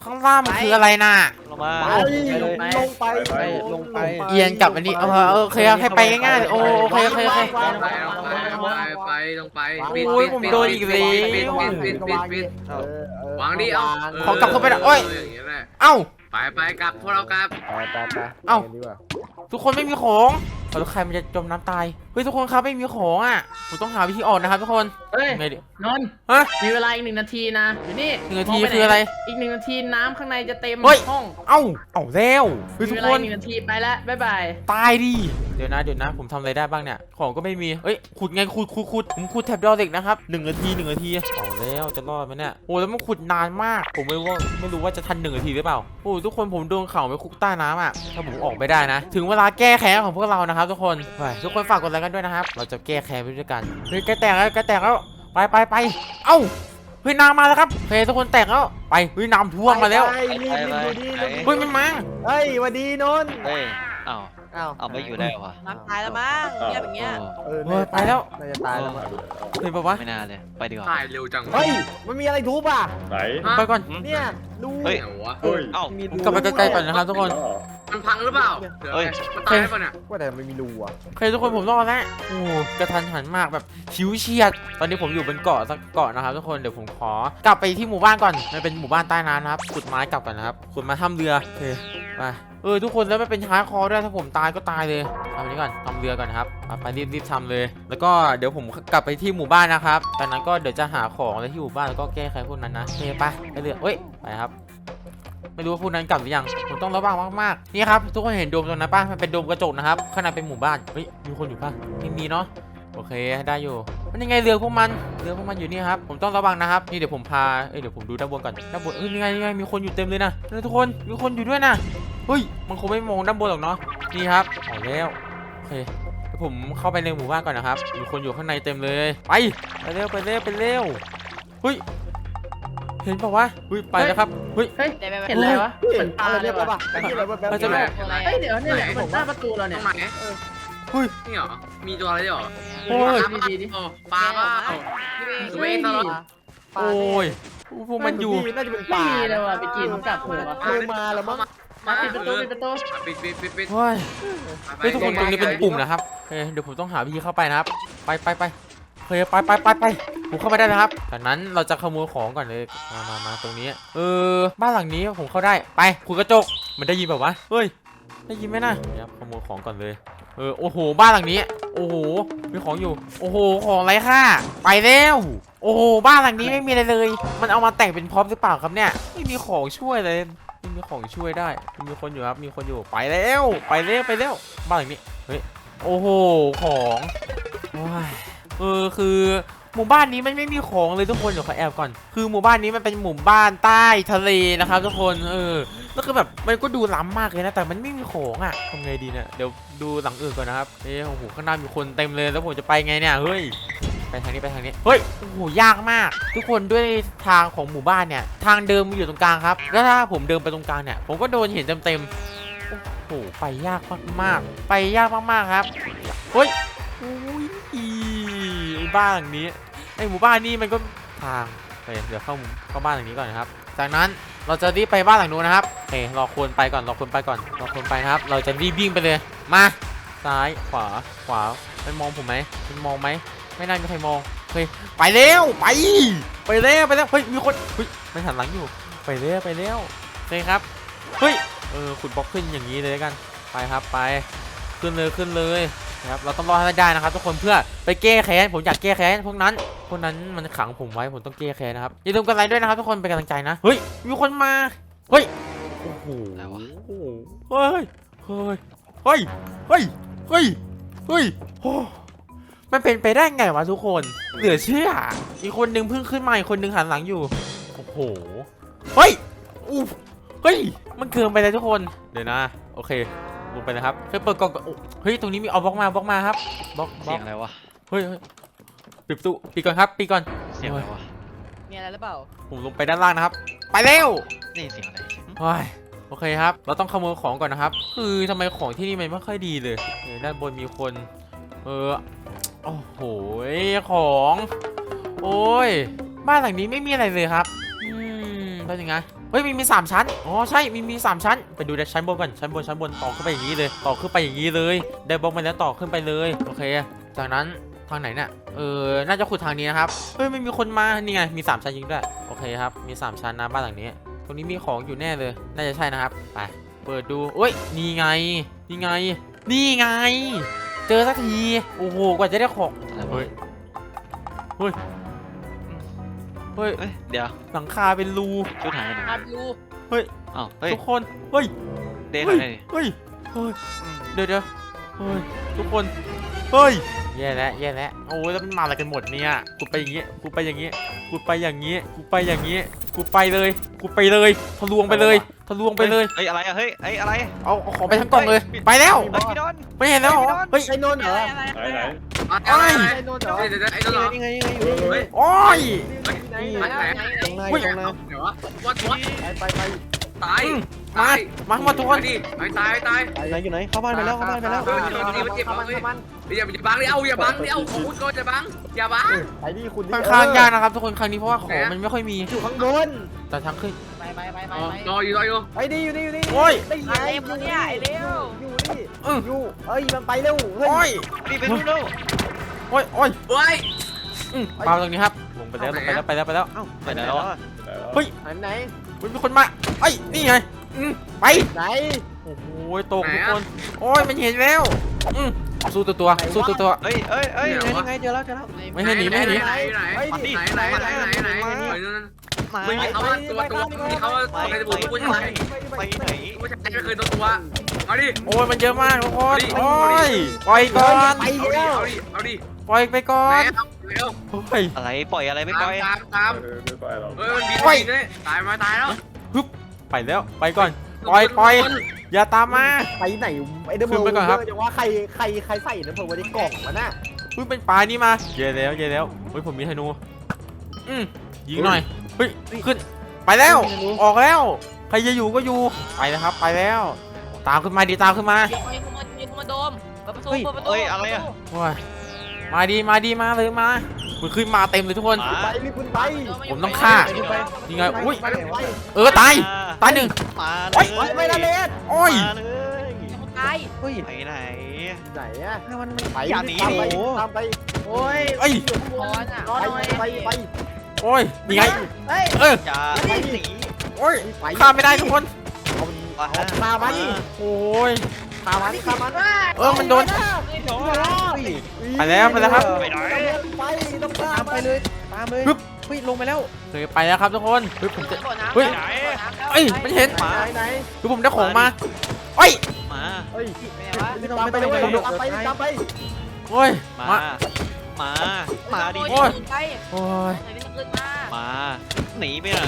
ข้างล่างมันคืออะไรน่ะลงมาลงไปเอียนกลับอันนี้โอเคให้ไปง่ายๆโอเคไปลงไปโอ้ยผมโดนอีกแล้วปิดวางดิเอาขอกลับเข้าไปนะโอ้ยอย่างเงี้ยแหละเอ้าไปกลับพวกเรากลับไปเอ้า ทุกคนไม่มีของแล้วใครมันจะจมน้ำตายเฮ้ยทุกคนครับไม่มีของอ่ะผมต้องหาวิธีออกนะครับทุกคนเฮ้ยไงดินนท์ฮะมีเวลาอีก1 นาทีนะอยู่นี่ 1 นาทีมงปหคืออะไรอีก1 นาทีน้ำข้างในจะเต็มเฮ้ยห้องเอ้าแล้วเฮ้ยมีทุกเวคลาน อีก1 นาทีไปแล้วบ๊ายบายตายดิเดี๋ยวนะผมทำอะไรได้บ้างเนี่ยของก็ไม่มีเอ้ยขุดไงขุดผมขุดแถบดอเหล็กนะครับ1 นาทีเอาแล้วจะรอดไหมเนี่ยโอ้แล้วมันขุดนานมากผมไม่รู้ว่าจะทัน1 นาทีหรือเปล่าโอ้ทุกคนผมโดนเข่าไปคุกใต้น้ำอ่ะถ้าผมออกไม่ได้นะถึงเวลาแก้แค้นของพวกเรานะครับทุกคนไปทุกคนฝากกดไลค์กันด้วยนะครับเราจะแก้แค้นไปด้วยกันเฮ้ยแกแตกแล้วไปเอ้าเฮ้ยน้ำมาแล้วครับเฮ้ยทุกคนแตกแล้วไปเฮ้ยน้ำท่วมมาแล้วเเฮ้ยมันมาเฮ้ยวันดีนนท์เฮ้ยเอ้าอ้าวเอาไม่อยู่ได้วะน้ำตายแล้วมั้งเงียบอย่างเงี้ยเฮ้ยไปแล้วน่าจะตายแล้วมั้งเฮ้ยบอกว่าไม่น่าเลยไปดีกว่าตายเร็วจังเฮ้ยมันมีอะไรทุบอ่ะไหนไปก่อนเนี่ยดูเฮ้ยไหนวะเฮ้ยเอ้ามีกลับไปใกล้ๆก่อนนะครับทุกคนมันพังหรือเปล่าเฮ้ยมันตายป่ะเนี่ยว่าแต่ไม่มีรูอ่ะโอเคทุกคนผมรอดแล้วโอ้กระทันหันมากแบบชิวเฉียดตอนนี้ผมอยู่บนเกาะสักเกาะนะครับทุกคนเดี๋ยวผมขอกลับไปที่หมู่บ้านก่อนมันเป็นหมู่บ้านใต้น้ำนะครับขุดไม้กลับกันนะครับขุดมาทำเรือโอเคไปทุกคนแล้วไม่เป็นฮาร์ดคอร์ด้วยถ้าผมตายก็ตายเลยทำอันนี้ก่อนทำเรือก่อนนะครับไปรีบทำเลย แล้วก็เดี๋ยวผมกลับไปที่หมู่บ้านนะครับจากนั้นก็เดี๋ยวจะหาของอะไรที่หมู่บ้านแล้วก็แก้ไขพวกนั้นนะโอเคไปเรือเอ้ยไปครับไม่รู้ว่าพวกนั้นกลับหรือยังผมต้องระวังมากๆนี่ครับทุกคนเห็นโดมตรงนั้นป่ะมันเป็นโดมกระจกนะครับข้างในเป็นหมู่บ้านเฮ้ยมีคนอยู่ป่ะไม่มีเนาะโอเคได้อยู่มันยังไงเรือพวกมันอยู่นี่ครับผมต้องระวังนะครับนี่เดี๋ยวผมพาเดี๋ยวผมดูด้านบนก่อนด้านบนยังไงมีคนอยู่เต็มเลยนะทุกคนมีคนอยู่ด้วยนะเฮ้ยมันคงไม่มองด้านบนหรอกเนาะนี่ครับเอาแล้วโอเคเดี๋ยวผมเข้าไปในหมู่บ้านก่อนนะครับมีคนอยู่ข้างในเต็มเลยไปเร็วเฮ้ยเห็นเปล่าวะเฮ้ยไปแล้วครับเฮ้ยเฮ้ยเห็นอะไรวะเหมือนปลาอะไรเลเนี่ย ยว่ะป่ะอะไรแบบมันจะแบบเฮ้ยเดี๋ยวเนี่ยเหมือนหน้าประตูเราตเนี่รยงไหนเฮ้ยนี่เหรอมีตัวอะไรด้วยเหรอโอ้ยปลาเปล่าพี่เบเวทตลอดโอ้ยพวกมันอยู่น่าจะเป็นปไม่ลามีเลยว่ะไปกินกลับหัวเคยมาแล้วมั้งมาปิดประตูปิดเฮ้ยทุกคนตรงนี้เป็นปุ่มนะครับเดี๋ยวผมต้องหาวิธีเข้าไปนะครับไปเฮ้ยไปผมเข้าไปได้นะครับจากนั้นเราจะขโมยของก่อนเลยมาตรงนี้บ้านหลังนี้ผมเข้าได้ไปขุดกระจกมันได้ยินแบบวะเฮ้ยได้ยินไหมนะเดี๋ยวขโมยของก่อนเลยโอ้โหบ้านหลังนี้โอ้โหมีของอยู่โอ้โหของไรค่าไปแล้วโอ้โหบ้านหลังนี้ไม่มีอะไรเลยมันเอามาแต่งเป็นพร็อพหรือเปล่าครับเนี่ยไม่มีของช่วยเลยไม่มีของช่วยได้มีคนอยู่ครับมีคนอยู่ไปแล้วบ้านหลังนี้เฮ้ยโอ้โหของโอ้ยคือหมู่บ้านนี้มันไม่มีของเลยทุกคนเดี๋ยวขอแอบก่อนคือหมู่บ้านนี้มันเป็นหมู่บ้านใต้ทะเลนะครับทุกคนแล้วคือแบบมันก็ดูล้ำมากเลยนะแต่มันไม่มีของอ่ะทำไงดีเนี่ยเดี๋ยวดูหลังอื่นก่อนนะครับโอ้โหข้างหน้ามีคนเต็มเลยแล้วผมจะไปไงเนี่ยเฮ้ยไปทางนี้เฮ้ยโอ้โหยากมากทุกคนด้วยทางของหมู่บ้านเนี่ยทางเดิมมีอยู่ตรงกลางครับแล้วถ้าผมเดินไปตรงกลางเนี่ยผมก็โดนเห็นเต็มโอ้โหไปยากมากครับเฮ้ยบ้านหลังนี้หมู่บ้านนี้มันก็ทางเดี๋ยวเข้าบ้านหลังนี้ก่อนนะครับจากนั้นเราจะรีบไปบ้านหลังนู้นนะครับรอคนไปก่อนนะครับเราจะรีบวิ่งไปเลยมาซ้ายขวามันมองผมไหมมันมองไหมไม่น่ามีใครมองไปเร็วไปแล้วเฮ้ยมีคนเฮ้ยไม่หันหลังอยู่ไปเร็วครับเฮ้ยขุดบล็อกขึ้นอย่างนี้เลยกันไปครับไปขึ้นเลยนะครับเราต้องรอให้ได้นะครับทุกคนเพื่อไปแก้แค้นผมอยากแก้แค้นพวกนั้นมันขังผมไว้ผมต้องแก้แค้นนะครับอย่าลืมกดไลค์ด้วยนะครับทุกคนเป็นกำลังใจนะเฮ้ยมีคนมาเฮ้ยโอ้โหเฮ้ยมันเป็นไปได้ไงวะทุกคนเหลือเชื่ออีกคนนึงเพิ่งขึ้นมาอีกคนนึงหันหลังอยู่โอ้โหเฮ้ยมันเกินไปเลยทุกคนเดี๋ยวนะโอเคลงไปนะครับเปิดกล่องเฮ้ยตรงนี้มีเอาบล็อกมาครับบล็อกเสียงอะไรวะเฮ้ยปิดประตูปิดก่อนครับปิดก่อนเสียงอะไรวะมีอะไรหรือเปล่าผมลงไปด้านล่างนะครับไปเร็วนี่เสียงอะไรโอเคครับเราต้องขโมยของก่อนนะครับคือทำไมของที่นี่มันไม่ค่อยดีเลยด้านบนมีคนโอ้โหของโอ้ยบ้านหลังนี้ไม่มีอะไรเลยครับเป็นยังไงเฮ้ยมี3ชั้นอ๋อใช่มี3ชั้นไปดูในชั้นบนก่อนชั้นบนต่อขึ้นไปอย่างนี้เลยต่อขึ้นไปอย่างนี้เลยได้บล็อกมาแล้วต่อขึ้นไปเลยโอเคจากนั้นทางไหนเนี่ยน่าจะขุดทางนี้นะครับเฮ้ยไม่มีคนมานี่ไงมี3ชั้นยิงด้วยโอเคครับมี3ชั้นนะบ้านหลังนี้ตรงนี้มีของอยู่แน่เลยน่าจะใช่นะครับไปเปิดดูเอ้ยนี่ไงเจอสักทีโอ้โหกว่าจะได้ของอะไรวะเฮ้ยเฮ้ยเดี๋ยวหลังคาเป็นรูชุดหายไปไหนอาดูอ้าวเฮ้ยทุกคนเฮ้ยเด้งเฮ้ยเลยเฮ้ยเดี๋ยวเฮ้ยทุกคนเฮ้ยแย่แล้วโอ้ยแล้วมันมาอะไรกันหมดเนี่ยกูไปอย่างงี้กูไปอย่างงี้ทะลวงไปเลยเฮ้ยอะไรอะเฮ้ยอะไรเอาของไปทั้งกล่องเลยไปแล้วเฮ้ยพี่ดอนไม่เห็นแล้วเหรอเฮ้ยไอ้นนท์เหรอไหนไอ้นนท์เหรอเดี๋ยวไอ้ตัวเหรอนี่ไงเฮ้ยโอ้ยไหนไหนตรงไหนเฮ้ยตรงไหนเดี๋ยววัดไปตายมาหมดทุกคนดิตายไหนอยู่ไหนเข้าบ้านไปแล้วเข้าบ้านไปแล้วอย่าบังดิอย่าบังของคุณก็จะบังอย่าบังไปดิคุณค่อนข้างยากนะครับทุกคนครั้งนี้เพราะว่าของมันไม่ค่อยมีอยู่ข้างบนแต่ทางขึ้นไปรออยู่ไอ้นี่อยู่นี่โอ้ยได้ไงเร็วเนี่ยไอ้เร็วอยู่นี่อยู่เอ้ยมันไปเร็วเฮ้โอ้ยยนี่เป็นลูกเร็วโอ้ยเฮ้ยมาตรงนี้ครับลงไปแล้วไปไหนแล้วอะไหนมีคนมาเอ้ยนี่ไงไปไหนโอ้โหตกทุกคน โอ้ยมันเห็นแล้วสู้ตัวเฮ้ยยังไงเจอแล้วไม่ให้หนีไหนมาไม่มีเขาว่าตัวมีเขาว่าตัวในบุญผู้ชายไปไหนผู้ชายไม่เคยตัวเอาดิโอ้ยมันเยอะมากทุกคนโอ้ยปล่อยก่อนเอาดิปล่อยไปก่อนเร็วโอ้ยอะไรปล่อยอะไรไม่ปล่อยตามเฮ้ยมันบินเลยตายมาตายแล้วไปแล้วไปก่อนปล่อยอย่าตามมาไปไหนไอ้เดมจะว่าใครใส่น้ำผึ้งไว้ในกล่องวะน่ะเป็นปลานี่มาเย่แล้วเฮ้ยผมมีธนูยิงหน่อยเฮ้ยขึ้นไปแล้วออกแล้วใครจะอยู่ก็อยู่ไปนะครับไปแล้วตามขึ้นมาดีตามขึ้นมามีคนมาโดมเปิดประตูเฮ้ยอะไรอะโอ้ยมาเลยมาคุณขึ้นมาเต็มเลยทุกคนไปรีบคุณไปผมต้องฆ่า ยังไงอุ้ยไปตายหนึ่งมาเลโอ๊ยยไม่ได้เล่นโอ้ยมาเลยตายเฮ้ยไปไหนไหนอะมันไปอย่าหนีตามดิไปตามไปโอ้ยเอ้ยร้อนอ่ะไปโอ้ยยังไงเฮ้ยอย่าหนีโอ้ยฆ่าไม่ได้ทุกคนเอาฆ่ามันโอ้ยฆ่ามันมันโดนไปแล้วครับไปไหนไปต้องฆ่าไปเลยตามเลยเฮ้ยลงไปแล้วเคยไปแล้วครับทุกคนผมจะเฮ้ยมันเห็นไหนผมได้ของมาเอ้ยมาเฮ้ยไม่วะตามไปเลยตามไปโอ้ยมาดิไปโอ้ยไหนเป็นคืนมามาหนีไปไหน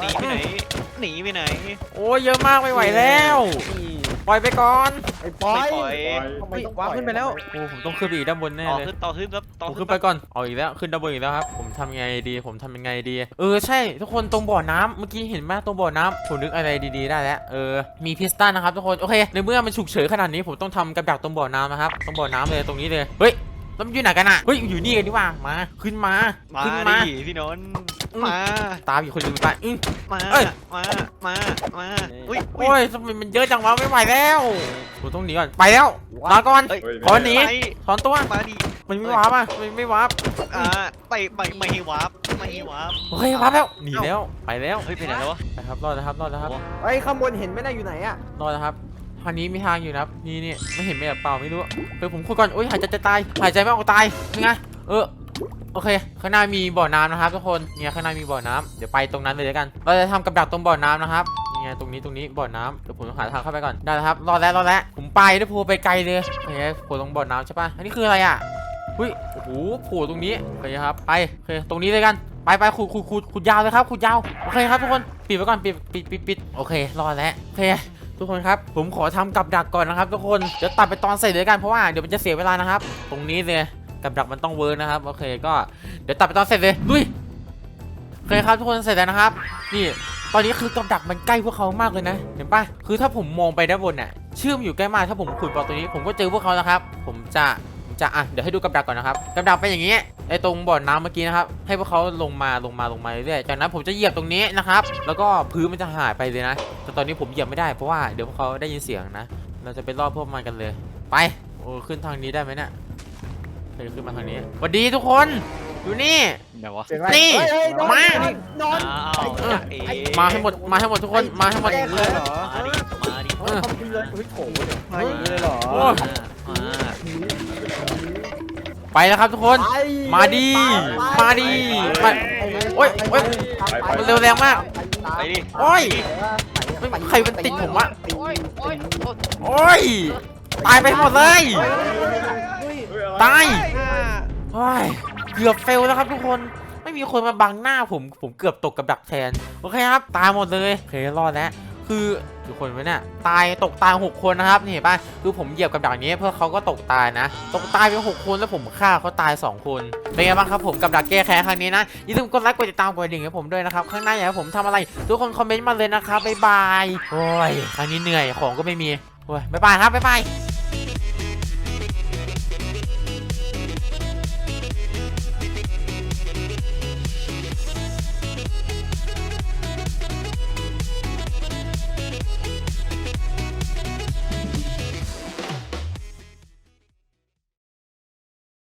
โอ้ยเยอะมากไม่ไหวแล้วปล่อยไปก่อนไอ้ปอยทำไมต้องวางขึ้นไปแล้วโอ้ผมต้องขึ้นไปอีกด้านบนแน่ต่อเลยขึ้นต่อขึ้นครับผมขึ้นไปก่อนเอาอีกแล้วขึ้นด้านบนอีกแล้วครับผมทำยังไงดีใช่ทุกคนตรงบ่อน้ำเมื่อกี้เห็นไหมตรงบ่อน้ำผมนึกอะไรดีๆได้แล้วมีพิสตันนะครับทุกคนโอเคในเมื่อมันฉุกเฉินขนาดนี้ผมต้องทำกับดักตรงบ่อน้ำนะครับตรงบ่อน้ำเลยตรงนี้เลยเฮ้ยแล้วมันอยู่ไหนกันอ่ะเฮ้ยอยู่นี่กันดีกว่ามาขึ้นมาดิพี่นนท์มาตามอีกคนนึงไปมาอุ้ยโอ้ยทำไมมันเยอะจังวะไม่ไหวแล้วผมต้องหนีก่อนไปแล้วลาก่อนขอหนีถอนตัวมาดิมันไม่วาร์ปอ่ะมันไม่วาร์ปไปไม่ให้วาร์ปโอเควาร์ปแล้วหนีแล้วไปแล้วเฮ้ยไปไหนแล้ววะไปครับรอดนะครับไอ้ข้างบนเห็นไหมน่ะอยู่ไหนอะรอดนะครับทางนี้มีทางอยู่นะครับนี่ไม่เห็นไม่แบบเปล่าไม่รู้ผมคุยก่อนโอ้ยหายใจจะตายหายใจไม่ออกตายยังไงโอเคข้างหน้ามีบ่อน้ำนะครับทุกคนเนี่ยข้างหน้ามีบ่อน้ำเดี๋ยวไปตรงนั้นเลยแล้วกันเราจะทำกับดักตรงบ่อน้ำนะครับนี่ไงตรงนี้บ่อน้ำเดี๋ยวผมต้องหาทางเข้าไปก่อนได้แล้วครับรอดแล้วผมไปด้วยโผล่ไปไกลเลยโอเคโผล่ตรงบ่อน้ำใช่ปะอันนี้คืออะไรอ่ะอุ้ยโอ้โหโผล่ตรงนี้โอเคครับไปโอเคตรงนี้เลยกันไปขุดยาวเลยครับขุดยาวโอเคครับทุกคนปิดไว้ก่อนปิดโอเครอดแล้วโอเคทุกคนครับผมขอทำกับดักก่อนนะครับทุกคนเดี๋ยวตัดไปตอนเสร็จเลยกันเพราะว่าเดี๋ยวมันจะเสียเวลานะครับตรงนี้เลยกับดักมันต้องเวิร์กนะครับโอเคก็เดี๋ยวตัดไปตอนเสร็จเลยลุยโอเคครับทุกคนเสร็จแล้วนะครับนี่ตอนนี้คือกับดักมันใกล้พวกเขามากเลยนะเห็นปะคือถ้าผมมองไปด้านบนน่ะเชื่อมอยู่ใกล้มากถ้าผมขุดบล็อกตัวนี้ผมก็เจอพวกเขาแล้วครับผมจะจะเดี๋ยวให้ดูกับดักก่อนนะครับกับดักเป็นอย่างนี้ไอ้ตรงบ่อน้ำเมื่อกี้นะครับให้พวกเขาลงมาเรื่อยๆจากนั้นผมจะเหยียบตรงนี้นะครับแล้วก็พื้นมันจะหายไปเลยนะแต่ตอนนี้ผมเหยียบไม่ได้เพราะว่าเดี๋ยวพวกเขาได้ยินเสียงนะเราจะไปล่อพวกมันกันเลยไปโอ้ขึ้นทางนี้ได้ไหมเนี่ยขึ้นมาทางนี้สวัสดีทุกคนอยู่นี่เดี๋ยววะนี่มานอนอ้าวจะเอ๋มาให้หมดทุกคนมาให้หมดเลยเหรอมาดิเขากินเลยเฮ้ยโถเนี่ยมาอย่างนี้เลยเหรอโอ้ยมาไปแล้วครับทุกคน มาดิมาดิมาโอ๊ยโอ๊ยมันเร็วแรงมากไปดิโอ๊ยไม่ใครมันติดผมวะโอ้ยโอ้ยโอ้ยโอ๊ยตายไปหมดเลยตาย โอ้ยเกือบเฟลแล้วครับทุกคนไม่มีคนมาบังหน้าผมเกือบตกกับดักแทนโอเคครับตายหมดเลยโอเครอดแล้วคือทุกคนไว้เนี่ยตาย6 คนนะครับนี่เห็นป่ะคือผมเหยียบกับดักนี้เพื่อเขาก็ตกตายนะตกตายไป6 คนแล้วผมฆ่าเขาตาย2 คนเป็นไงบ้างครับผมกับดักแก้แค้นครั้งนี้นะอย่าลืมกดไลค์กดติดตามกดกระดิ่งให้ผมด้วยนะครับข้างหน้าอยากให้ผมทำอะไรทุกคนคอมเมนต์มาเลยนะครับบ๊ายบายโอ้ยครั้งนี้เหนื่อยของก็ไม่มีโอ้ยบ๊ายบายครับบ๊ายบาย